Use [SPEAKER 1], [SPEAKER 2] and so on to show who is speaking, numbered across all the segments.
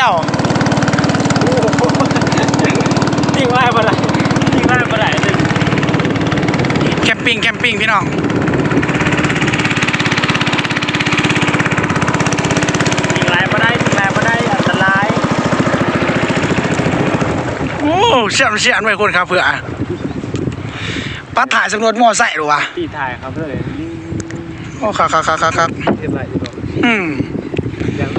[SPEAKER 1] เจ้า
[SPEAKER 2] ทิ้งไว้เมื่อไหร่ทิ้งไว้เมื่อไหร่เลย
[SPEAKER 1] แคมปิ้งพี่น้อง
[SPEAKER 2] ทิ้งไว้ไม่ได้อันตราย
[SPEAKER 1] โอ้เสียนไว้คนครับเพื่อปัดถ่ายสำรวจมอไซค์หรอวะ
[SPEAKER 2] ตีถ่ายครับเลย
[SPEAKER 1] โอ้ครับ
[SPEAKER 2] เห็นไรอยู่ยัง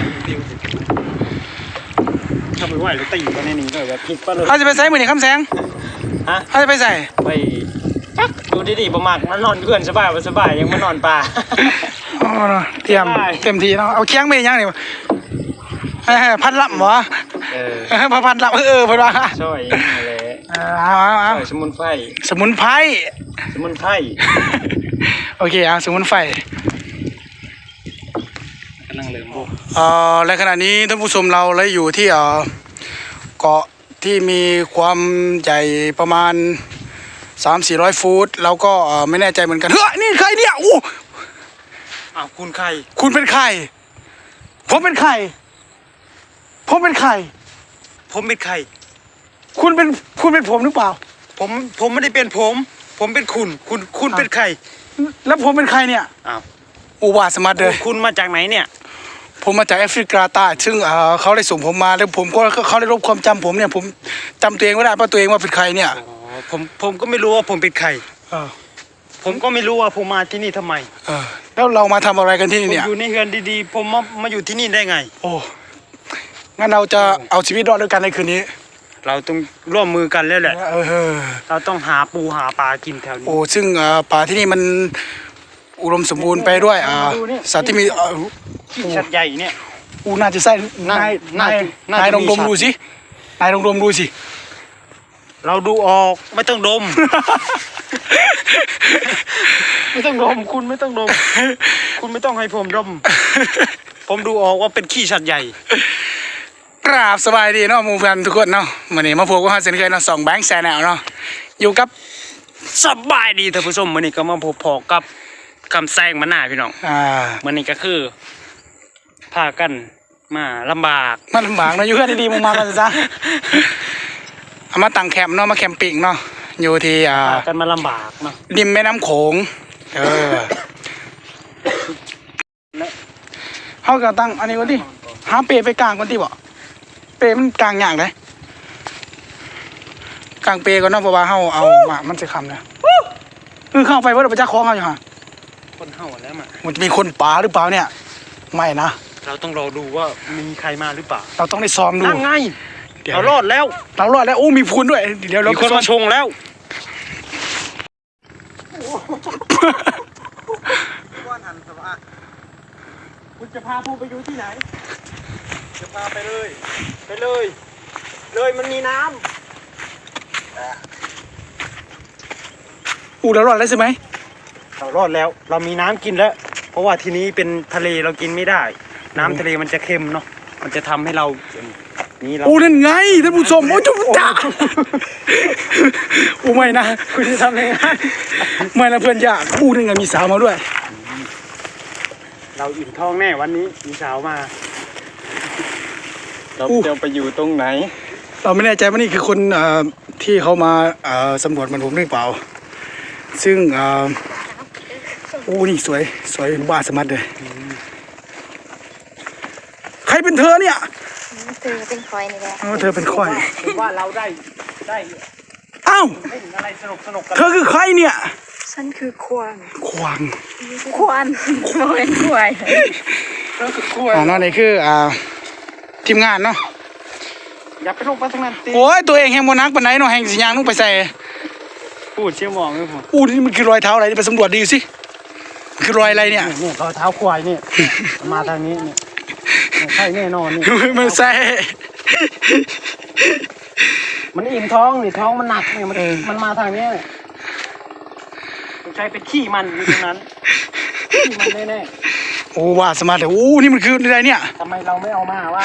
[SPEAKER 2] ทำไม่ไหวเลยตีกันในนี้เลยแบบผิดปะเลย
[SPEAKER 1] เขาจะไปใส่มือนี่คำแสง
[SPEAKER 2] ฮะ
[SPEAKER 1] เขาจะไปใส่
[SPEAKER 2] ไปดูดีๆประมาณมันนอนเพื่อนสบายยังมานอนป่า
[SPEAKER 1] อ๋อเตรียมเต็มทีเนาะเอาเคียงไปยังนี่พัดลำวะพัดลำเพัดว่า
[SPEAKER 2] ช่วยอะไร
[SPEAKER 1] เอา
[SPEAKER 2] สมุนไพร
[SPEAKER 1] โอเคสมุนไพร
[SPEAKER 2] กำลังเริ่มบุก
[SPEAKER 1] และขณะนี้ท่านผู้ชมเราเลยอยู่ที่เกาะที่มีความใหญ่ประมาณ300-400 ฟุตแล้วก็ไม่แน่ใจเหมือนกันเฮ้ยนี่ใครเนี่ยอู้
[SPEAKER 2] คุณใคร
[SPEAKER 1] คุณเป็นใครผมเป็นใครคุณเป็นผมหรือเปล่า
[SPEAKER 2] ผมไม่ได้เป็นผมเป็นคุณเป็นใคร
[SPEAKER 1] แล้วผมเป็นใครเนี่ยอุบาสมัติเลย
[SPEAKER 2] คุณมาจากไหนเนี่ย
[SPEAKER 1] ผมมาจากแอฟริกาใต้ซึ่งเขาได้ส่งผมมาแล้วผมก็เขาได้ลบความจำผมเนี่ยผมจำตัวเองไม่ได้ว่าตัวเองว่าเป็นใครเนี่ย
[SPEAKER 2] ผมก็ไม่รู้ว่าผมเป็นใครผมก็ไม่รู้ว่าผมมาที่นี่ทำไม
[SPEAKER 1] แล้วเรามาทำอะไรกันที่นี่เนี่ย
[SPEAKER 2] ผมอยู่ในเฮือนดีๆผมมาอยู่ที่นี่ได้ไง
[SPEAKER 1] โอ้งั้นเราจะเอาชีวิตรอดด้วยกันในคืนนี้
[SPEAKER 2] เราต้องร่วมมือกันแล้วแหละเราต้องหาปูหาปลากินแถวนี้
[SPEAKER 1] โอ้ซึ่งปลาที่นี่มันอุดมสมบูรณ์ไปด้วยสัตว์ที่มี
[SPEAKER 2] ชัดใหญ่เนี่ย
[SPEAKER 1] น่าจะใส่นายลองดมดูสิ
[SPEAKER 2] เราดูออกไม่ต้องดม ไม่ต้องดมคุณไม่ต้องดมคุณไม่ต้องให้ผมดมผมดูออกว่าเป็นขี้ชัดใหญ่
[SPEAKER 1] กราบสบายดีเนาะหมู่เพื่อนทุกคนเนาะวันนี้มาพบกับเซนเคยเนาะ2แบงค์แชนแนลเนาะอยู่กับ
[SPEAKER 2] สบายดีท่านผู้ชมวันนี้ก็มาพบกับคำแซงมาหน้าพี่น้องวันนี้ก็คือพากันมาลำบาก
[SPEAKER 1] เนาะอยู่เพื่อนดีๆมากันซะเอามาตั้งแคมป์เนาะมาแคมปิ้งเนาะอยู่ที่
[SPEAKER 2] พากันมาลำบากเนาะ
[SPEAKER 1] ริมแม่น้ำโขงเขาก็ตั้งอันนี้ก่อนที่หาเปไปกลางก่อนที่บ่เปมันกลางอย่างไรกลางเปก่อนเนาะเพราะว่าเขาเอามามันจะคำนะเข้าไปว่าเราไปจ้าคล้องเขาอยู่ฮะ
[SPEAKER 2] คนเข้าแล้ว
[SPEAKER 1] มันจะมีคนป่าหรือเปล่าเนี่ยไม่นะ
[SPEAKER 2] เราต้องรอดูว่ามีใครมาหรือเปล่า
[SPEAKER 1] เราต้องได้ซ้อมดู
[SPEAKER 2] นั่งไงเรารอดแล้ว
[SPEAKER 1] โอ้มีพูนด้วยเดี๋ยวเรา
[SPEAKER 2] มีคนมาชงแล้วคุณจะพาผมไปอยู่ที่ไหนจะพาไปเลยมันมีน้ำ
[SPEAKER 1] เรารอดแล้วใช่ไหม
[SPEAKER 2] เรารอดแล้วเรามีน้ำกินแล้วเพราะว่าที่นี้เป็นทะเลเรากินไม่ได้น้ำทะเลมันจะเค็มเนาะมันจะทำให้เรานี่เรา
[SPEAKER 1] นั่นไงท่านผู้ชมจุ๊บจ้าไม่นะ
[SPEAKER 2] คุณจะทำยังไง
[SPEAKER 1] ไม่นะเพื่อนยากนั่นไงมีสาวมาด้วย
[SPEAKER 2] เราอิ่มท้องแน่วันนี้มีสาวมาเราจะไปอยู่ตรงไหน
[SPEAKER 1] เราไม่แน่ใจว่านี่คือคนที่เขามาสำรวจมันผมหรือเปล่าซึ่งนี่สวยบ้าสมัติเลยใครเป็นเธอเนี่ย
[SPEAKER 3] เธอเป็นคอยนี่แหละ
[SPEAKER 1] เธอเป็นคอย
[SPEAKER 2] ว่าเราได้
[SPEAKER 1] อ้าว
[SPEAKER 2] อะไรสนุก
[SPEAKER 1] เธอคือใครเนี่ย
[SPEAKER 3] ฉันคือควาน
[SPEAKER 1] ไม่
[SPEAKER 3] เป็นควาย
[SPEAKER 1] นั่นนี่คือทีมงานเนาะ
[SPEAKER 2] อย่าไปลงไปตรงนั้น
[SPEAKER 1] โอ้ยตัวเองแห่งโมนักปนไหนเนาะแห่งสียางนุ่งไปใส่
[SPEAKER 2] พูดเชี่ยวมองเลยผม
[SPEAKER 1] นี่มันคือรอยเท้าอะไรไปสำรวจดีสิคือรอยอะไรเนี่ย
[SPEAKER 2] รอยเท้าควายเนี่ยมาทางนี้เนี่ยใช่แน่นอนนี่
[SPEAKER 1] มันใส่
[SPEAKER 2] มันอิ่มท้องนี่ท้องมันหนักเนี่ยมันมาทางนี้ต้องใช้เป็นขี้มันอยู่ตรงนั้นขี้มันแน่
[SPEAKER 1] ๆว่าสมาร์ทเลยนี่มันคืออะไรเนี่ย
[SPEAKER 2] ทำไมเราไม่เอามาวะ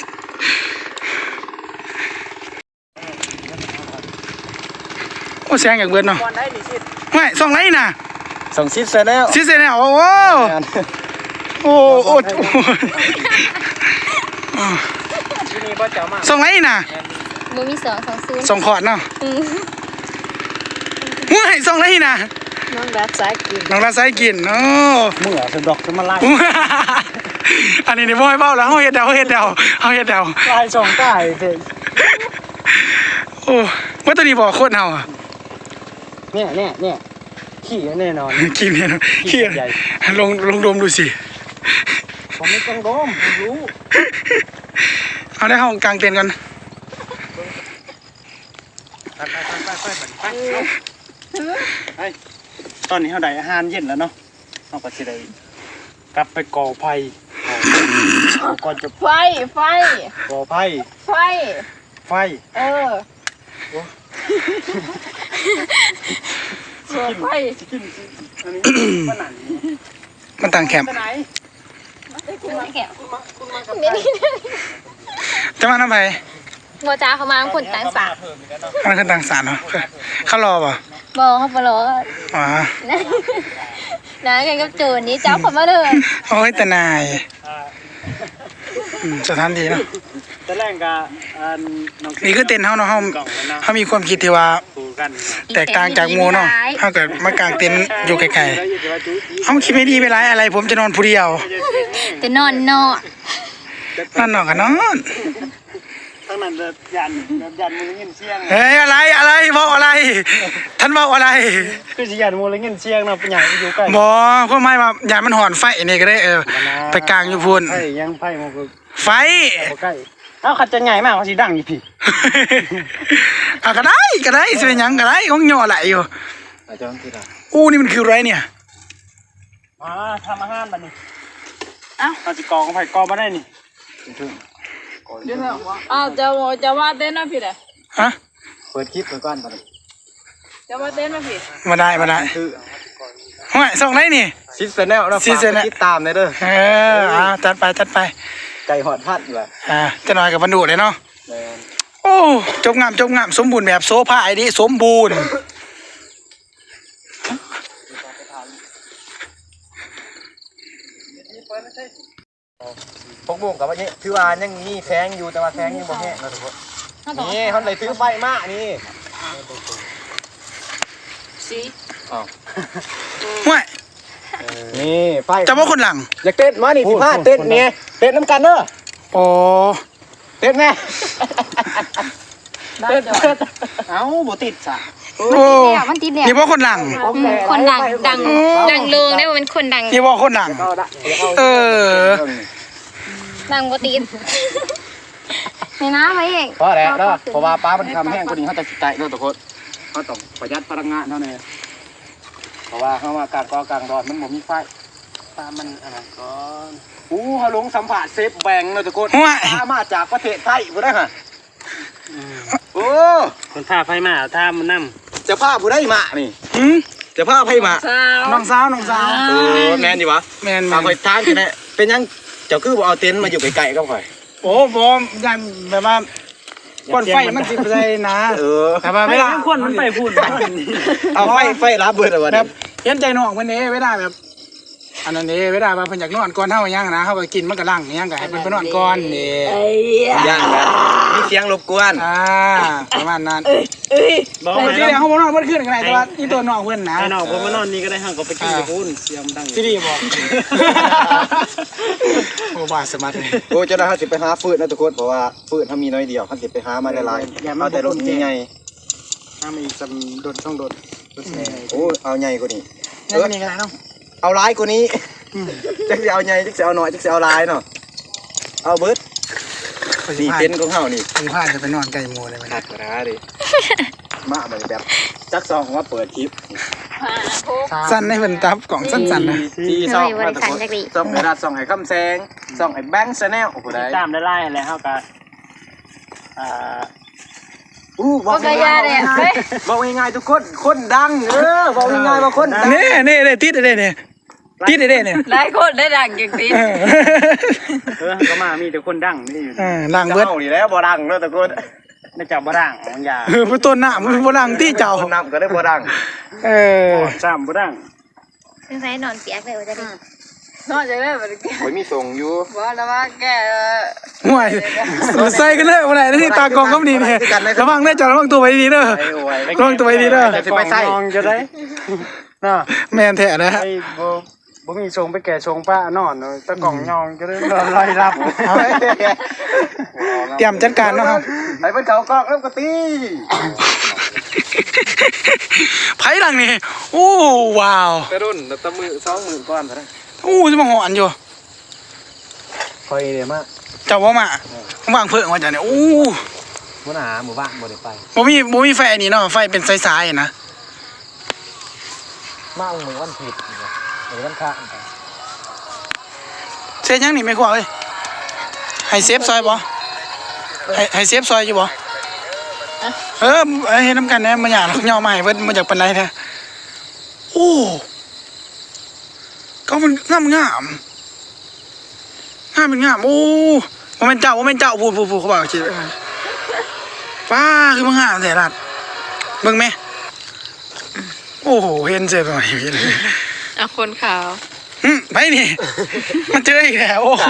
[SPEAKER 1] แซงอย่างเบิร์นเนาะไม่ส่องไรน่ะ
[SPEAKER 2] ส่องซิดเสร็จแล้ว
[SPEAKER 1] โอ้
[SPEAKER 2] ที่นี่บ่เจ้ามา
[SPEAKER 1] ส่งไรน่ะ
[SPEAKER 3] บ่มี220
[SPEAKER 1] ส่งขอดเนาะ
[SPEAKER 3] อืม
[SPEAKER 1] ห้วยส่งไรน่ะ
[SPEAKER 3] น้องรักสายกิน
[SPEAKER 1] น้องรักไซกินโอ้
[SPEAKER 2] เมื่อสะดอกจะมาไล่
[SPEAKER 1] อันนี้นี่บ่ให้เบ้าแล้วเฮาเฮ็ดเดาเฮ็ดเดาเฮาเฮ็ดเดา
[SPEAKER 2] ไล่สองใต้เด้อ
[SPEAKER 1] โอ้ว่าตัวนี้บ่โคตรเฮาอ่ะ
[SPEAKER 2] เนี่ยขี้แน่นอน
[SPEAKER 1] กินเนี่ยเนอะเฮีย
[SPEAKER 2] ใหญ่
[SPEAKER 1] ลงดมดูสิ
[SPEAKER 2] ผมไม่ต้องดมผมรู้
[SPEAKER 1] เอาได้ห้องกลางเต็นท์กัน
[SPEAKER 2] ไปตอนนี้เขาได้อาหารเย็นแล้วเนาะเราก็จะได้กลับไปก่อไฟก่อนจะ
[SPEAKER 3] ไฟ
[SPEAKER 2] ก่อไฟ
[SPEAKER 3] ไฟ
[SPEAKER 2] ไฟ
[SPEAKER 3] เออไฟ
[SPEAKER 2] กินอันนี้มันหนัน
[SPEAKER 1] มันต่างแคมป์
[SPEAKER 2] ไปไหน
[SPEAKER 3] คุณมาแก้ว
[SPEAKER 2] คุณมากับ
[SPEAKER 1] จะมาทำไม
[SPEAKER 3] บ่จ้าเขามาคนต่างสา
[SPEAKER 2] เพิ่มอีกแล้วเนาะ
[SPEAKER 1] มันคือต่างสารเนาะเขารอป่ะ
[SPEAKER 3] บ่เขาบ่รอ
[SPEAKER 1] อ๋อ
[SPEAKER 3] นะกันกับโจรนี้เจ้าเขามาเลย
[SPEAKER 1] โอ้ยแต่นายสถานที่เนาะ
[SPEAKER 2] แต่แรกก็น้อง
[SPEAKER 1] นี่คือเต็นท์เฮาเนาะเฮาก
[SPEAKER 2] ล่องแล้วเนาะ
[SPEAKER 1] เฮามีความคิดที่ว่า
[SPEAKER 2] ดูกัน
[SPEAKER 1] แตกต่างจากหมู่เนาะเฮาเกิดมากางเต็นท์อยู่ไกลๆเฮาคิดไม่ดีไปหลายอะไร ผมจะนอนผู้เดียว
[SPEAKER 3] แต่นอนนอก
[SPEAKER 1] นอนกันนอน
[SPEAKER 2] ทั้งนั้นยันมือเงินเชียง
[SPEAKER 1] เฮ้ยอะไรเว้าอะไร ท่านเว้าอะไร
[SPEAKER 2] คือสิยันมือเงินเชียงเนาะเป็นอย่างอยู่ใกล้
[SPEAKER 1] บ่เพราะไม่ว่าอย่ามันหอนไฟนี่ก็ได้ไปกลางอยู่พุ่น
[SPEAKER 2] ไผ่ยังไผ่มันก็
[SPEAKER 1] ไฟ
[SPEAKER 2] ใกล้เอ้าขัดจะใหญ่มากเขาสิดังอยู่พี่
[SPEAKER 1] อ่ะก็ได้สิเป็นหยังก็ได้ของย่อไหลอยู่
[SPEAKER 2] อาจารย์ที่ละ
[SPEAKER 1] อู้นี่มันคืออะไรเนี่ย
[SPEAKER 2] มาทำอาหารบัดนี้เอ้าเอาสิกองไผ่กองมาได้นี่
[SPEAKER 3] จะว่าเต้นมาผิดอ่ะ
[SPEAKER 1] ฮะ
[SPEAKER 2] เปิดคลิปไปก่อนบัดนี้
[SPEAKER 3] จะว่าเต้นมาผิด
[SPEAKER 1] มาได้
[SPEAKER 2] คือ
[SPEAKER 1] ห้วยส่งไรนี่
[SPEAKER 2] ซิสแนลนะ
[SPEAKER 1] ซิสแนล
[SPEAKER 2] ติดตามเลยเด้อ
[SPEAKER 1] จัดไป
[SPEAKER 2] ไก่หอดพัดว่ะ
[SPEAKER 1] จะหน่อยกับบรรดุเลยเนาะ
[SPEAKER 2] แม่น
[SPEAKER 1] โอ้จบงามสมบูรณ์แบบโซฟาไอ้นี่สมบูรณ์
[SPEAKER 2] พวกมุกกับว่านี้คือว่ายังมีแพงอยู่แต่ว่าแพงยังบ่แห้งนะทุกคนนี่เขาเลยซื้อไฟมานี่
[SPEAKER 3] สี
[SPEAKER 1] ห้วย
[SPEAKER 2] นี่ไฟ
[SPEAKER 1] จะว่าคนหลัง
[SPEAKER 2] อยากเต้นมานี่15เต้นเนี่ยเต้นน้ำกันเด้อ
[SPEAKER 1] โอ้
[SPEAKER 2] เต้นแม่
[SPEAKER 3] ได้จ้ะ
[SPEAKER 2] เอ้าบ่ติดซะ
[SPEAKER 1] โอ้
[SPEAKER 3] มันติดเนี่ย
[SPEAKER 1] นี่ว่าคนหลัง
[SPEAKER 3] คนดังเรืองได้ว่าเป็นคนดัง
[SPEAKER 1] นี่ว่าคนหลัง เออ
[SPEAKER 3] ดังบ่ติดนี่นะไปเอง
[SPEAKER 2] เพราะอะไรเนาะเพราะว่าป้ามันทำแห้งกว่านี้เขาจะใจเนาะทุกคนเขาต้องประหยัดพลังงานเท่านั้นเพราะว่าเขาว่ากลางกอกลางรอดมันบ่มีไฟป้ามันอันนั้นก่อนเขาลงสัมผัสเซฟแบงค์เนาะทุกคน
[SPEAKER 1] ห้วย
[SPEAKER 2] ป้ามาจากประเทศไทยบ่ได้ฮะโอ้
[SPEAKER 4] คนพาไฟมาถ้ามันนั่ม
[SPEAKER 2] จะพาผู้ได้มานี่
[SPEAKER 1] หืม
[SPEAKER 2] จะพาไผมา
[SPEAKER 1] น้องสาว
[SPEAKER 2] แม่นอยู่วะ
[SPEAKER 1] แมน
[SPEAKER 2] เอาไปทางกันแหละเป็นยังเจ้าคือบ่เอาเต็นท์มาอยู่ไกลๆกับข่อย
[SPEAKER 1] โอ้บอมยันแบบว่าก้อนไฟมันสิบใจนะ แต่ว่าเวลา
[SPEAKER 4] ควรมันไปพูด
[SPEAKER 2] เอาไฟรับเบิดเอาวะ
[SPEAKER 1] แบบเห็นใจน้องเพิ่นเด้เวลาแบบ อันนั้นเด้เวลาว่าเพิ่นอยากนอนก่อนเฮายังนะเฮาก็กินมันก็ลั่งยังก็ให้เพิ่นไปนอนก่อนนี่
[SPEAKER 2] ย่างกันมีเสียงรบกวน
[SPEAKER 1] ประมาณนั้น
[SPEAKER 4] บอก
[SPEAKER 1] แต่
[SPEAKER 4] ไง
[SPEAKER 1] ที่เดียวเฮาบ่นอนเพิ่นขึ้นกันได้แต่ว่านี่ตัวน้องเพิ่นนะ
[SPEAKER 4] ไอ้น้องผมมานอนนี่ก็ได้ห่างก็ไปกินกับพูนเสียงดัง
[SPEAKER 1] ที่ดีบ่โอ้บาสมัติเลย
[SPEAKER 2] โอ้เจ้าหน้าที่ไปหาฟืนนะทุกคนเพราะว่าฟืนถ้ามีน้อยเดียวเขาจะไปหามาได้หลายเอาแต่รถนี่ไง
[SPEAKER 1] ถ้ามีจำโดนช่องโดน
[SPEAKER 2] โอ้เอาใหญ่กว่านี้
[SPEAKER 1] นี่ก็ได้เนาะ
[SPEAKER 2] เอาหลายกว่านี้จักสิเอาใหญ่จักสิเอาน้อยจักสิเอาหลายเนาะเอาเบิดนี่เต็นท์ของเฮานี่
[SPEAKER 1] สิพาจะไปนอนไกลหมู่เลยมัน
[SPEAKER 2] หักนะดิมาแบบจักซองว่าเปิดคลิป
[SPEAKER 1] สั้นให้เพิ่นตับกล่องสั้นๆนะ
[SPEAKER 2] ที่ซองมาทุกคนซองไอ้รัดซองไอ้คำแซงซองไอ้แบงค์ชาแนลโอ้โหได้
[SPEAKER 4] ตามได้ไล่แล้วเขาก็
[SPEAKER 2] บอกง่ายๆบอกง่ายๆทุกคนคนดังบอกง่ายๆว่าคนดัง
[SPEAKER 1] นี่ติดได้เนี่ยติดได้เนี่ย
[SPEAKER 3] ได้คนได้ดังอย่างนี้
[SPEAKER 4] ก็มามีแต่คนดังนี่อยู่
[SPEAKER 1] ดังเบิด
[SPEAKER 2] เจ้านี่แหล้วบ่ดังเนาะทุกคน
[SPEAKER 4] น่าจะบ่ดังบางอย่าง
[SPEAKER 1] ผู้ต้นหน้ามันบ่ดังที่เจ้า
[SPEAKER 2] คนนำก็ได้บ่ดัง
[SPEAKER 1] เออ
[SPEAKER 4] ซ้ำบ่ดัง
[SPEAKER 3] ซึ่งใช้นอนเปียกเลยว่าจะได้นอกจากนั้นมันแก
[SPEAKER 2] โอ้ยมีส่งอยู่
[SPEAKER 3] บอกแล้วว่าแก
[SPEAKER 1] ห่วยใส่กันเลยวันไหนที่ตากองก็ดีเนี่ยระวังได้อจ้ะระวังตัวไว้ดีเด้อระวังตัวไว้ดีเด้อ
[SPEAKER 2] จะไปใส่
[SPEAKER 4] มองจะได้น่ะ
[SPEAKER 1] แม่นแท้นะฮะ
[SPEAKER 4] ไอ้บ่มีชงไปแก่ชงป้านอนเลยตะกล่องยองจะได้รอยรับ
[SPEAKER 1] เตรียมจัดการเนาะครับ
[SPEAKER 2] ไอ้เพิ่นเขากล้องเริ่มกระตี
[SPEAKER 1] ไผ่ดังนี่โอ้ว้าว
[SPEAKER 2] ไปรุ่นตะมือ20,000ก้อนซะนะ
[SPEAKER 1] โอ้จะมาหอนอยู่
[SPEAKER 2] คอยเด้มา
[SPEAKER 1] เจ้าว่ามาผมวางเพิ่งว่าจ้ะเนี่ยโอ้
[SPEAKER 2] บ่หาหมู่บ้านบ่ได้ไป
[SPEAKER 1] บ่มีไฟอันนี้เนาะไฟเป็นสายๆนะ
[SPEAKER 2] มาเอามือวันผิดหรือวันพระ
[SPEAKER 1] เซฟยังนี่ไม่กว่าเอ้ยให้เซฟซอยบ่ให้เซฟซอยอยู่บ่เฮ็ดน้ำกันแน่มันอยากย่อมาให้เพิ่นมาจากปานใดแท้โอ้ก็มันงามโอ้บ่แม่นเจ้าพูดเขาบอกสิป้าคือมันงามแต่ลัดเบิ่งแม่โอ้โหเห็นเจ็บหน่อยเลย
[SPEAKER 3] อ่ะคนขาว
[SPEAKER 1] ไปนี่ มันเจออีกแล้วโอ้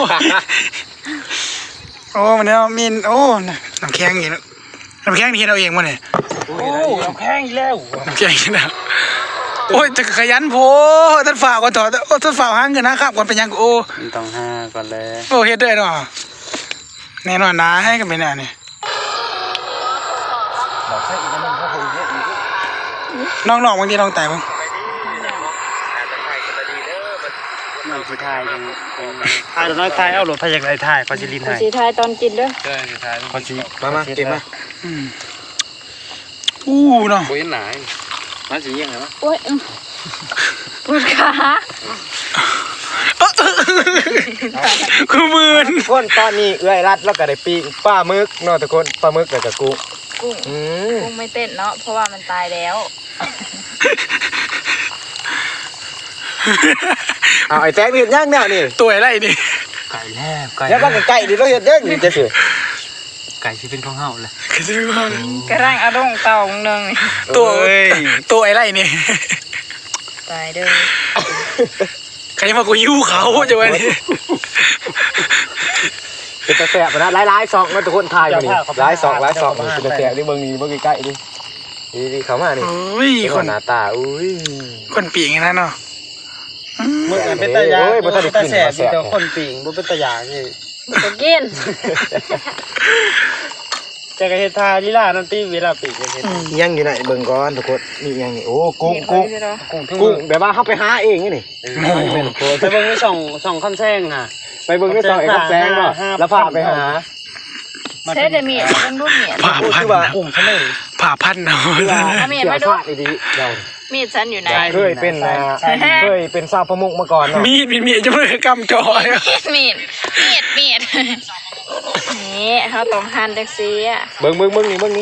[SPEAKER 1] มันเนี่ยมีนโอ้น้ำแข็งอีกน้ำแข็งนี่เราเองมั้งเนี่ย
[SPEAKER 4] โอ้เราแข้งอีกแล้ว
[SPEAKER 1] น้ำแข็งอีกแล้วโอ้ยจะขยันโพท่านฝ่าก่อนถอดโอ้ท่านฝ่าหางเงินนะครับก่อนเป็นยังโอ้
[SPEAKER 4] ต้องห้าก่อนเลย
[SPEAKER 1] โอ้เฮ็ดได้เนาะแน่นอนนะให้กันไปแน่นี่น้องๆบางทีน้องแต่บ้าง
[SPEAKER 4] น้องผู้ชายยังถ่ายน้อยถ่ายเอารถพยากรถ่ายพอสิลินถ่าย
[SPEAKER 3] สีไทยตอนกินด้วย
[SPEAKER 4] ใช่ถ่ายพอสิ
[SPEAKER 2] มาเก็บมา
[SPEAKER 1] อู้เนาะ
[SPEAKER 2] บ่เห็นหนามาสิยังไงวะ
[SPEAKER 3] โอ้ยปวดขา
[SPEAKER 1] คือมืน
[SPEAKER 2] คนตอนนี้เอื้อยรัดแล้วก็ได้ปีปลาหมึกเนาะทุกคนปลาหมึกแล้วก็กุ้ง
[SPEAKER 3] กุ้งกุ้งไม่เต้นเนาะเพราะว่ามันตายแล้ว
[SPEAKER 2] เอาไอ้แจ๊คนี่ย่างแนวนี่
[SPEAKER 1] ตัวอะไรนี่
[SPEAKER 4] ไก่แล้วไก่
[SPEAKER 2] แล้วก็ไก่ดิเราเฮ็ดยังนี่จะสิ
[SPEAKER 4] ไก่ที่เป็นของเฮาเลย
[SPEAKER 1] คือว่าก
[SPEAKER 3] ระร่างอารมณ์เต่าหนึ่ง
[SPEAKER 1] ตัวอะไรนี่
[SPEAKER 3] ตายเด้อ
[SPEAKER 1] ใครมากูยิ้วเขาจะไว้นี่
[SPEAKER 2] เป็นตะแสบนะหลายๆซองเนาะทุกคนถ่ายมานี่หลายซองเป็นตะแสบนี่เบิ่งนี่เบิ่งใกล้ๆดินี่เข้ามานี่
[SPEAKER 1] โอ้ยคน
[SPEAKER 2] หน้าตาอุ้ย
[SPEAKER 1] คนปีกนะเนาะ
[SPEAKER 4] มึงเป็นตะยาเป็นตะแสบมีแต่คนปิ่งบ่เป็นตะยานี่
[SPEAKER 3] จะกิน
[SPEAKER 4] แต่ก็เฮ็ดทาลีลานั่นติเวลาปิ่งเฮ็ด
[SPEAKER 2] ยังอยู่ไหนเบิ่งก่อนทุกคนนี่ยังนี่โอ้กุ้ง
[SPEAKER 4] กุ้งทั้ง
[SPEAKER 2] กุ้งแบบว่าเฮาไปหาเองนี่
[SPEAKER 4] ไปเบิ่งในช่องคำแซงน่ะ
[SPEAKER 2] ไปเบิ่งในซอยกับแซงเนาะแล้วพาไปหา
[SPEAKER 3] ใช้แต่เมียเป็นรูปเมีย
[SPEAKER 1] ผ่าพัน
[SPEAKER 2] คือว่า
[SPEAKER 1] นะ
[SPEAKER 2] กุ้งทะเล
[SPEAKER 1] ผ่าพันนะ
[SPEAKER 3] เมียมาดู
[SPEAKER 2] ดีเรา
[SPEAKER 3] มีดฉันอยู่ไหน
[SPEAKER 2] เคยเป็นชาวประมงมาก่อนเนาะ
[SPEAKER 1] มีดจะไม่ได้กำจอย
[SPEAKER 3] มีดนี่เขาต้องหั่นจังซี่อ่ะ
[SPEAKER 2] เบิ่งนี่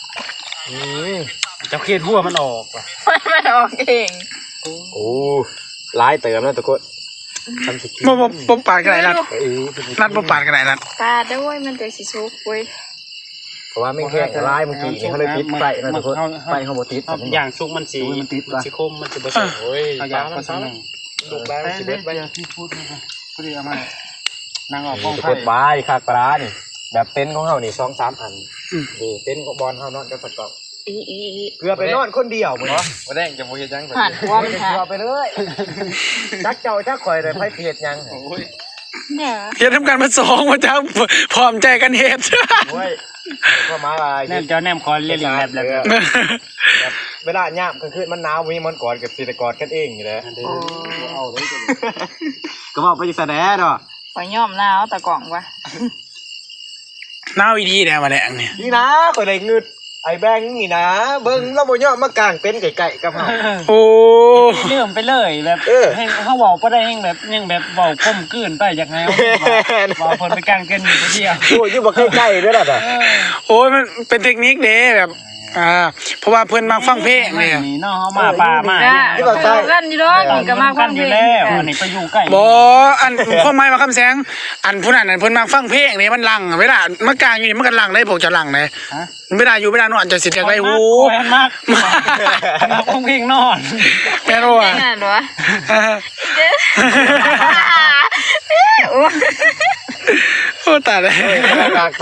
[SPEAKER 4] เจ้าเขียนหัวมันออกว่ะ
[SPEAKER 3] มันออกเอง
[SPEAKER 2] โอ้หลายเติมแล้วทุกคนทำสิกิน
[SPEAKER 1] บ่ปาดกันไหนนัดบ่ปาดกันไหนนัด
[SPEAKER 3] ตาด้วยมันจะสิซุกเว้ย
[SPEAKER 2] เพราะว่าไม่แค่ลายเมื่อกี้นี่เขาเลยติดไฟนะทุกคนไฟเขาบ่ติด
[SPEAKER 4] อย่างสุกมันสีคมมันสิบ่สวยโอ้ย
[SPEAKER 2] เอาอย่างผสมลูกแล้วสิเบ็ดไป
[SPEAKER 4] ที่พูดนะครับพอดีเอามานั่งออกกอง
[SPEAKER 2] ทุก
[SPEAKER 4] ไฟ
[SPEAKER 2] คนบายคากปลานี่แบบเต็นท์ของเฮานี่2-3 อันนี่เต็นท์ของบอลเฮานอนกันประกอบ
[SPEAKER 3] อี
[SPEAKER 2] เพื่อไปนอนคนเดียวมื้อบ่ได้จะบ่เฮ็ดหยัง
[SPEAKER 3] หันหัวมันหา
[SPEAKER 2] ไปเลยจักเจ้าจักข่อยได้ไผเฮ็ดหยังโอ้ย
[SPEAKER 3] เนี่ย
[SPEAKER 1] เฮ็ดทำการมา2ว่าจะพร้อมใจกันเฮ็ด
[SPEAKER 2] โอ้ยก็มาว่า
[SPEAKER 4] แนมเจ้าแนมคอนเรียนแบบ
[SPEAKER 2] เวลายามกลางคืนมันหนาวมีมันกอดกับสิกอดกันเองอยู่แล้วเอาเลยก็บอกไปแสดงเนาะ
[SPEAKER 3] ขอย่อมหนาวตะกล่องวะ
[SPEAKER 1] หน้าวิธีแนวมาแดงเนี่ย
[SPEAKER 2] นี่นะข่อยได้งึดไอ้แบงค์นี่นะเบิ่งเราบ่ยอมมากางเป็นไก่ๆกับเฮา
[SPEAKER 1] โอ้
[SPEAKER 4] เรื่องไปเลยแบบให้เขาเว้าบ่ได้ยังแบบยังแบบเว้าก้มกืนไปจากแนวเว้าเพิ่นไปกลางเกินอยู่เดียว
[SPEAKER 2] โอ้ยอยู่บ่ใกล้ๆเด้อล่ะ
[SPEAKER 1] โอ้ยมันเป็นเทคนิคเด้แบบเพราะว่าเพิ่นมาฟังเพลงเนี่ย
[SPEAKER 4] นี่เนาะเฮามาป่ามา
[SPEAKER 3] ก็กันอยู่ดอกนี่ก็มาความ
[SPEAKER 4] อ
[SPEAKER 3] เพล
[SPEAKER 4] ยู่
[SPEAKER 3] ง
[SPEAKER 4] แล้วอันนี้ไปอยู่ใกล้
[SPEAKER 1] บ่อันข้อไม้มาคำแสงอันผู้นั้นเพิ่นมาฟังเพลงนี่มันลังเวลามากลางอยู่นี่มันก็ลังได้พวกจะลังได้เวลาอยู่เวลานอนจะสิเรียกไว้หู
[SPEAKER 4] แม่นมากมาเพลงนอน
[SPEAKER 1] แม่นบ่
[SPEAKER 3] เพลงนั่นเหรอ
[SPEAKER 1] โอ้ตายเลย
[SPEAKER 2] กากแปร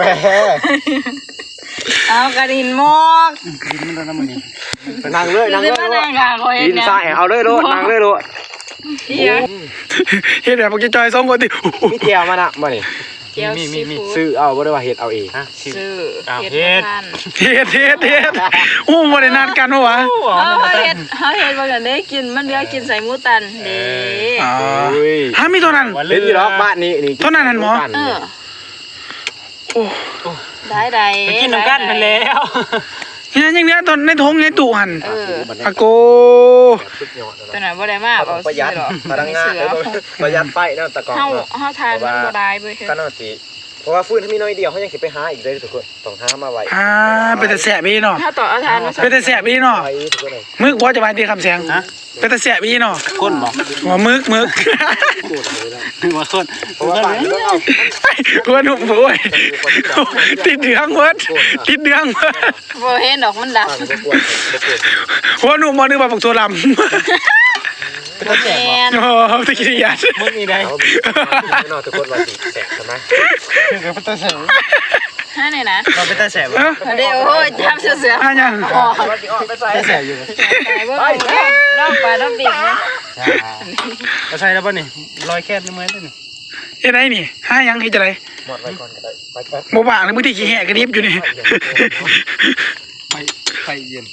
[SPEAKER 3] เอากระดินหมก
[SPEAKER 4] ดินมันโดนน้ำมันนี่
[SPEAKER 2] นั่งเลยนั่งเลย
[SPEAKER 3] นางกาคอย
[SPEAKER 2] ดิน
[SPEAKER 3] เนี่ย
[SPEAKER 2] ทรายเอาเลยโลดนั่งเลยโลด
[SPEAKER 3] เหี้ย
[SPEAKER 1] เฮ็ดแบบพวกจอย2คนติ
[SPEAKER 2] มีเจียวมันอ่ะมานี่
[SPEAKER 3] เจียวซีฟู้ด
[SPEAKER 2] ซื้อเอาบ่ได้ว่าเฮ็ดเอาเอง
[SPEAKER 4] ฮะชิม
[SPEAKER 3] ซื้อ
[SPEAKER 4] อ้าว
[SPEAKER 3] เห็ด
[SPEAKER 4] เฮ็ด
[SPEAKER 3] พัน
[SPEAKER 1] เฮ็ดโอ้บ่ได้นัดกันวะ
[SPEAKER 3] เขาเห็ดว่ากันได้กินมันเหลือกินใส่หมูตันเด้
[SPEAKER 1] อ๋อ
[SPEAKER 2] อุ้ย
[SPEAKER 1] ฮะมีตัวนั้น
[SPEAKER 2] เล่นอยู่รอบบ้านนี้นี่
[SPEAKER 1] เท่านั้นหั่นหมอ
[SPEAKER 3] เออ
[SPEAKER 1] โอ้
[SPEAKER 3] ได้
[SPEAKER 4] ไปกินน้ำกันไปแล้ว
[SPEAKER 1] ยังเหลือตอนในทงในตู้หั่น
[SPEAKER 3] เออ
[SPEAKER 1] อะโก
[SPEAKER 2] สุดยอด
[SPEAKER 3] ตัวนั้นบ่ได้มาเอา
[SPEAKER 2] ประหยัด
[SPEAKER 3] หรอก
[SPEAKER 2] พลังงานประหยัดไฟเนาะตะกอน
[SPEAKER 3] เฮา
[SPEAKER 2] เนาะ
[SPEAKER 3] เฮาทานมันบ่ได้เว้ย
[SPEAKER 2] ก็น่าสิเพราะว่าฟื้นถ้ามีน้อยเดียวเขายังสิไปหาอีกเลยทุกคนต้องหามาไว้
[SPEAKER 1] เป็นแต่แสบอีเนาะ
[SPEAKER 3] ถ้าต่อเอาทานมา
[SPEAKER 1] เป็นแต่แสบอีเนาะ
[SPEAKER 2] ไว้ทุกคนเลย
[SPEAKER 1] มึกบ่จะมาตีคำเสียง
[SPEAKER 4] ฮะ
[SPEAKER 1] เป็นแต่แสบอีเนาะ
[SPEAKER 4] คนบอก
[SPEAKER 1] หัวมึก
[SPEAKER 4] คือว่าคน
[SPEAKER 2] เพราะว่าบ้านนี้ต้องเอา
[SPEAKER 1] หัวหนุ่มโอ้ยติดเดืองเวิร์ดติดเดืองเวิร์ด
[SPEAKER 3] บ่เห็นดอกมันดำ
[SPEAKER 2] บ้านบ่ควรบ่ควร
[SPEAKER 1] หัวหนุ่มมานึกว่าปักตัวลำ
[SPEAKER 3] แม่น
[SPEAKER 1] โอ้ตะกี้ยัด
[SPEAKER 4] มึงนี่ได้
[SPEAKER 2] เอาไม่นอนทุกคนว่าสิแสบใช่ไหม
[SPEAKER 4] คือเป็นตาแสบ
[SPEAKER 3] ฮะเนี่ยนะ
[SPEAKER 4] เราเป็นตาแสบ
[SPEAKER 1] เอ้า
[SPEAKER 3] เดี๋ยวโอ้ยทำเสือ
[SPEAKER 1] อ่ะยัง
[SPEAKER 3] อ๋อ
[SPEAKER 2] ว่าสิออกไปใส่
[SPEAKER 4] ตาแสบอยู่
[SPEAKER 3] ไปบ่รอบปลารอบดิ่งนะ
[SPEAKER 4] เราใช้แล้วป่ะนี่รอยแค่ในมือตัวนี่
[SPEAKER 1] เฮ็ดไรนี่หายังเฮ็ดจะไร
[SPEAKER 2] หมดไว้ก่อนก็ได้ไปไป
[SPEAKER 1] บ่บ้างเลยมึงที่ขี้แหกกระดิบอยู่นี่
[SPEAKER 4] ไปเย็น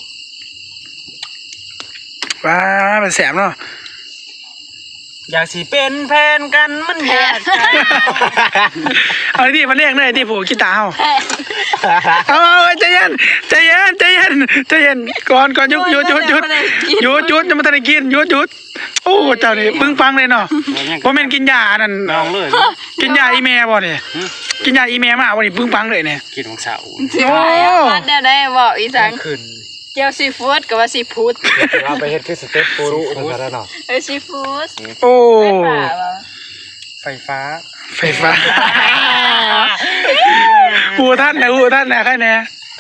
[SPEAKER 1] ว้าเป็นแสบเนาะ
[SPEAKER 4] อยากสิเป็นแฟนกันมันอยากใจ
[SPEAKER 1] เอาที่มาเรียกเลยที่ผูกกีตาร์เอาใจเย็นก่อนหยุดจะมาทำอะไรกินหยุดโอ้เจ้านี่ปึ้งปังเลยเนาะบ่แม่นกินยาอันนั้น
[SPEAKER 4] น้องเลย
[SPEAKER 1] กินยาอีเมลบ่เนี่ยกินยาอีเมลมาบ่นี่ปึ้งปังเลยเนี่ย
[SPEAKER 4] กินของสาว
[SPEAKER 3] สิไปพัดได้บอกอีสัง
[SPEAKER 4] ขึ้น
[SPEAKER 3] เจียวซีฟู้ดกับว่าซีฟู้ด
[SPEAKER 2] เราไปเฮ็ดคือสเต็ปปูรุนั่นซะแล้วเนาะ
[SPEAKER 3] ซีฟู้ด
[SPEAKER 1] โอ้
[SPEAKER 4] ไฟฟ้า
[SPEAKER 1] ไฟฟ้าหูท่านนะแค่นี้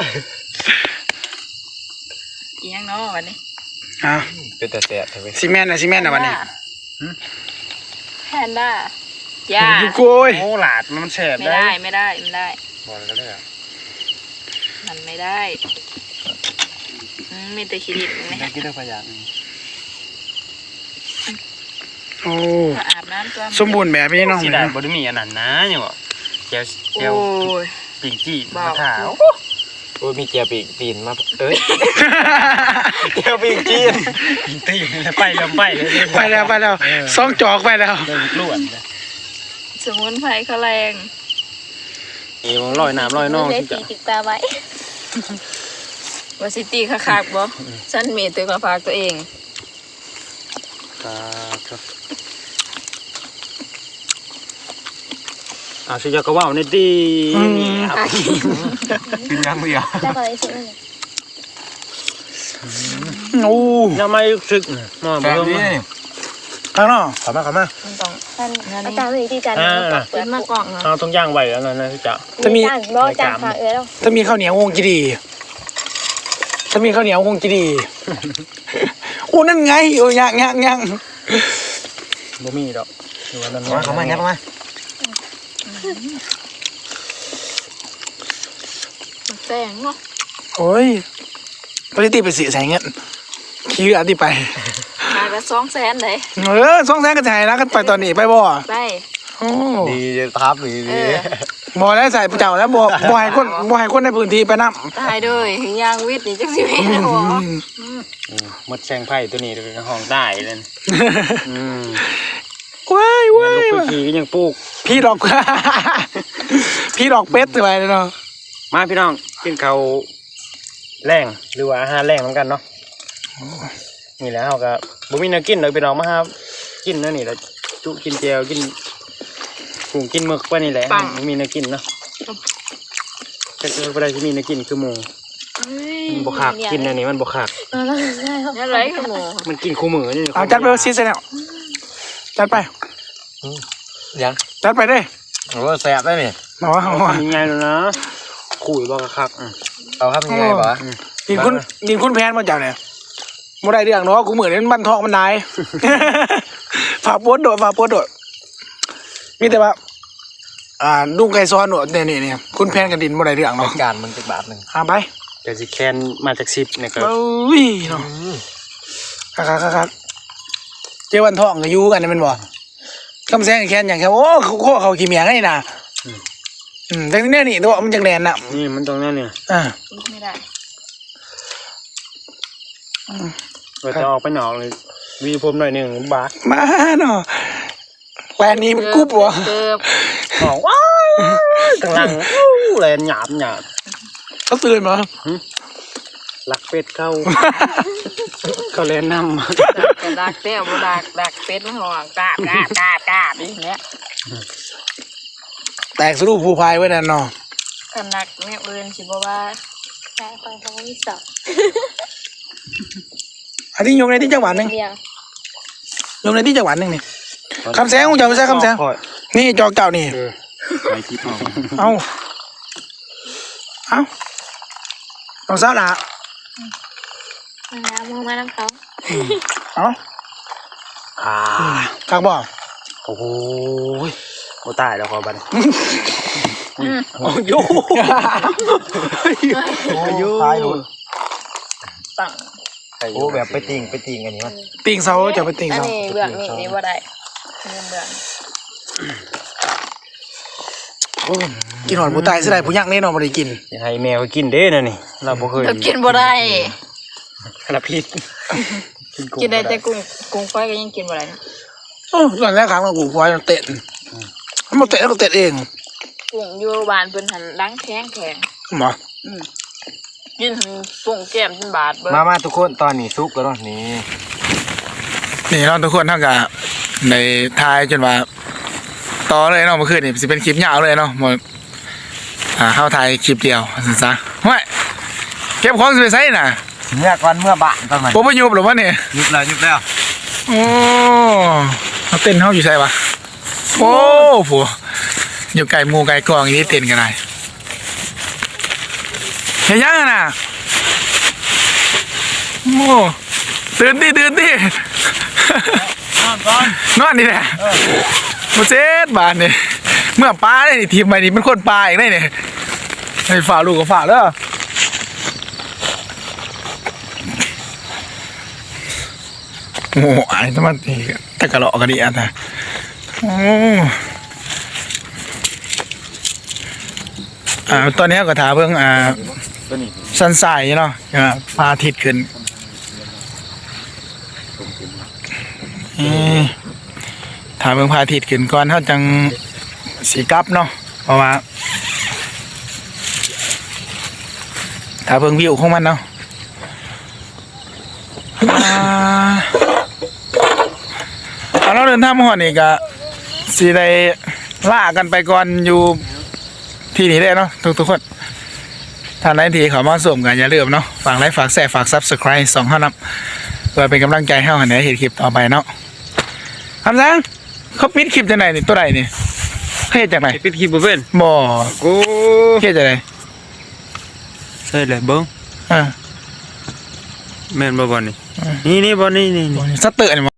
[SPEAKER 3] อีหยังเนาะวันนี้
[SPEAKER 1] อ่ะ
[SPEAKER 2] เป็นแต่แสบใช่ไหม
[SPEAKER 1] ซีเมนต์นะวันนี้
[SPEAKER 3] แพนด้าย่า
[SPEAKER 1] อยู่โกย
[SPEAKER 4] โอ้หลาดมันแสบ
[SPEAKER 3] ไม่ได้ไม่ได้
[SPEAKER 4] บอกเลยก็ได้
[SPEAKER 3] มันไม่ได้มีแต่ขี้ดิบไหม
[SPEAKER 4] ได้กินได้พยาน
[SPEAKER 1] โอ้
[SPEAKER 3] อาบน้ำตัว
[SPEAKER 1] สมบูรณ์แบบนี้น้อง
[SPEAKER 4] สี
[SPEAKER 1] เลย
[SPEAKER 4] ดา
[SPEAKER 1] เนาะ
[SPEAKER 4] บไดมีอันนั้นนะเนี่ยบอกเจียว
[SPEAKER 3] โอ้ย
[SPEAKER 4] ปิ่งจี้
[SPEAKER 3] บอ
[SPEAKER 4] มาก ถาว
[SPEAKER 2] โอ้ยมีเจียวปีกตีนมาเอ้ยเจียวปีกจีน
[SPEAKER 4] ตีไปแล้วไปเลย
[SPEAKER 1] ไปแล้วซองจอกไปแล้ว
[SPEAKER 4] เดินล้วน
[SPEAKER 3] สมุนไพรเขาแรง
[SPEAKER 4] นี่มันลอยน้ำลอยน่อง
[SPEAKER 3] ได้
[SPEAKER 4] ที่
[SPEAKER 3] ตี
[SPEAKER 4] จะ
[SPEAKER 3] ติดตาไว้ว่าซิตี้คักๆบ่ฉันมีตัวมาฝากตัวเอง
[SPEAKER 4] สิยากระว่าวนี่ดี
[SPEAKER 2] กินยังเดียว
[SPEAKER 3] ได้อะไรสุดเลย
[SPEAKER 1] โอ้
[SPEAKER 4] ยังไม่ซึกนอน
[SPEAKER 2] แบ
[SPEAKER 4] มา
[SPEAKER 2] บนี้
[SPEAKER 1] ข้างนอก
[SPEAKER 2] เข้ามา
[SPEAKER 3] มันต้องอาจารย์เลยที่จันทร์เปิดมากล่องเนาะ
[SPEAKER 4] เอาตรงย่างไหวแล้วนะที่จะ
[SPEAKER 1] ถ้ามี
[SPEAKER 3] รอจานฝากแล้ว
[SPEAKER 1] ถ้ามีข้าวเหนียวคงจะดีถ้ามีข้าวเหนียวคงจะดีอู้นั่นไงโอ้ยัง
[SPEAKER 4] บ่มีดอกดูว่านั่น
[SPEAKER 2] เข้ามาเข้ามา
[SPEAKER 3] แสงเนาะ
[SPEAKER 1] โอ้ยปฏิทินไปสื่อใส่เงินคิวอันที่ไป
[SPEAKER 3] มาละ200,000เลย
[SPEAKER 1] 200,000ก็จ่ายแล้วกันไปตอนนี้ไปบ่
[SPEAKER 3] ไป
[SPEAKER 1] โอ้
[SPEAKER 2] ดีทับดี
[SPEAKER 1] บ่แล้วใส่เจ้าแล้วบ่ให้คนในพื้นที่ไปนำ
[SPEAKER 3] ตายเลยยางวิทย์นี่จังสิแม่นบ่
[SPEAKER 4] หมดแซงไผ่ตัวนี้เป็นห้องได้เลย
[SPEAKER 1] ว้าย
[SPEAKER 4] ลูกพี่ก็ยังปลูก
[SPEAKER 1] พี่ดอก พี่ดอกเป็ดไปเลยเนาะ
[SPEAKER 4] มาพี่น้องกินข้าวแรงหรือว่าอาหารแรงเหมือนกันเนาะนี่แหละเขาก็บ่มีแนวกินเลยพี่น้องมาครับกินนั่นนี่แหละจุกินเจียวกินกุ้งกินหมึกไปนี่แหละบ่มีแนวกินเนาะแต่คือบ่ได้ที่มีแนวกินคือหมูมันบ่คักกินอันนี้มันบ่คัก
[SPEAKER 3] อะไรคือหมู
[SPEAKER 4] มันกินคู่มือนี่
[SPEAKER 1] เอาจัดไปซีซั่นแล้วจัดไป
[SPEAKER 2] ยัง
[SPEAKER 1] จัดไปเด้
[SPEAKER 2] โอ้แสบได้นี่
[SPEAKER 1] มาว่า
[SPEAKER 4] ยังไงแล้วนะคุยบ่คัก
[SPEAKER 2] เอาครับยังไงวะ
[SPEAKER 1] ดินคุณแพนมาจากไหนบ่ได้เรื่องเนาะกูเหมือนนั้นบ้านทองมันนาย ฝากโพสต์โดดมีแต่ว่าลุงไก่ซ้อนโดดเนี่ยคุณแพนกันดินบ่ได้เรื่องเนาะ
[SPEAKER 2] การมันจะบาทหนึ่ง
[SPEAKER 1] ไป
[SPEAKER 4] เดี๋ยวสิแคนมาจาก10เนี่ยครับ
[SPEAKER 1] เอ้ยเนาะครับเจ้าวันทองก็อยู่กันนี่มันบ่คำแซงแค้นอย่างแค่โอ้เขาขี้เมียงให้น่ะแต่นี่นี่ตัวมันจังแลนน่ะ
[SPEAKER 4] นี่มันตรงนั้นเนี่ย
[SPEAKER 3] ไม่ได้
[SPEAKER 4] เราจะออกไปหนองเลยวีผมหน่อยหนึ่งบาท
[SPEAKER 1] มาเนาะแลนนี้มันกุ๊บวะ
[SPEAKER 3] เกือบ
[SPEAKER 4] บอกว้าวกำลังแลนหยาบ
[SPEAKER 1] เขาตื่นมา
[SPEAKER 4] ลักเป็ดเข้า เขาแลนนำ
[SPEAKER 3] แต่ดักเต้าบ่ดักเป็ดมันห่วงกาบนี่แหละ
[SPEAKER 1] แตกสรุปผู้พายไว้นั่นเนาะ
[SPEAKER 3] กันนักแม่เอิญสิบอกว่าใช่คอยเขาไม่สอบ
[SPEAKER 1] อันนี้ยงในที่จังหวัดหนึ่ง
[SPEAKER 3] เดียวย
[SPEAKER 1] งในที่จังหวัดหนึ่งนี่คำแซงของเจ้าไม่ใช่คำแซงนี่จอกเจ้านี่
[SPEAKER 2] ไปที่พ่อ
[SPEAKER 1] เอาเอาสาวละ
[SPEAKER 3] น้ำมองมาน้ำเขา
[SPEAKER 1] เอาคักบ่
[SPEAKER 4] โอ้โหโอ้ตายแล้วขอบัน
[SPEAKER 1] โอ้ยตายเลย
[SPEAKER 3] ตั้ง
[SPEAKER 2] โอ้แบบไปติ่งอันนี้มัน
[SPEAKER 1] ติ่งเสาจะไปติ่ง
[SPEAKER 3] อัน
[SPEAKER 1] เสา
[SPEAKER 3] นี้เบื้องนี่บ่ได้เบื้อง
[SPEAKER 1] กินหอนผู้ตายสิได้ผู้ยักษ์แน่นอนบ่ได้กิน
[SPEAKER 4] อย่าให้แมวกินเด้นะนี่เราบ่เคย
[SPEAKER 3] เรากินบ่ได้
[SPEAKER 4] ขนาดพิษ
[SPEAKER 3] กินได้แต่กุ้งไฟก็ยังกินบ่ได้นะ
[SPEAKER 1] โอ้ตอนแรกครั้งเรากูควายมันเตะมันเตะแล้วก็เตะเอง
[SPEAKER 3] กุ้งอยู่บ้านเพิ่นหันล้างแข็ง
[SPEAKER 1] หมอ
[SPEAKER 3] กินปุ่งแก้มจนบาดเบิ่
[SPEAKER 2] มาทุกคนตอนนี้ซุกแล้วนี่
[SPEAKER 1] นี่เราทุกคนเท่ากับในทายจนว่าต่อเลยเนาะเมื่อคืนนี่สิเป็นคลิปยาวเลยเนาะหมดเข้าถ่ายคลิปเดียวซะห้วยเก็บของสิไปใส่น่ะ
[SPEAKER 2] เมื่อก่อนเมื่อบ้านตอนนั้น
[SPEAKER 1] บ่ไปยุบหรือวะเนี่ย
[SPEAKER 2] ยุบแล้ว
[SPEAKER 1] โอ้เขาเต้นเขาอยู่ใช่ปะโอ้ผัวอยู่ไก่หมูไก่กองอย่างนี้เต้นกันได้เฮียยังน่ะโอ้ตื่นดินอนนี่แหละมาเจ็ดบาทเนี่ยเมื่อป้าได้ทีมใบนี้เป็นคนปลาอีกได้เนี่ยให้ฝ่าลูกกับฝ่าเด้อโอ้ไอ้ต้องมาตีตะกะเลาะกันดีอ่ะนะโอ้ตอนนี้ก็ถามเพิ่ง
[SPEAKER 2] ตัวนี้
[SPEAKER 1] สันสายเนาะพาอาทิตย์ขึ้นถามเพิ่งพาอาทิตย์ขึ้นก่อนเขาจังสีกลับเนาะเพราะว่าถามเพิ่งวิวของมันเนาะเราเดินทางมาหอดนี่ก็สิได้ล่ากันไปก่อนอยู่ที่นี่ได้เนาะทุกคนท่านใดที่เขามาส่งกันอย่าลืมเนาะฝากไลค์ฝากแชร์ฝาก Subscribe 2เท่านั้นเพื่อเป็นกำลังใจให้เราในเห็นคลิปต่อไปเนาะคำสั่งเขาปิดคลิปจากไหนนี่ตัวไหนนี่เฮ็ดจากไหน
[SPEAKER 4] ปิดคลิปบ่เป็น
[SPEAKER 1] บ่
[SPEAKER 4] โอ้
[SPEAKER 1] เฮ็ดจากไหน
[SPEAKER 4] ใช่เลยเบิ้ง
[SPEAKER 1] อ่า
[SPEAKER 4] แม่นบ่บ่นี่นี่บ่นี่
[SPEAKER 1] สเตอร์นี่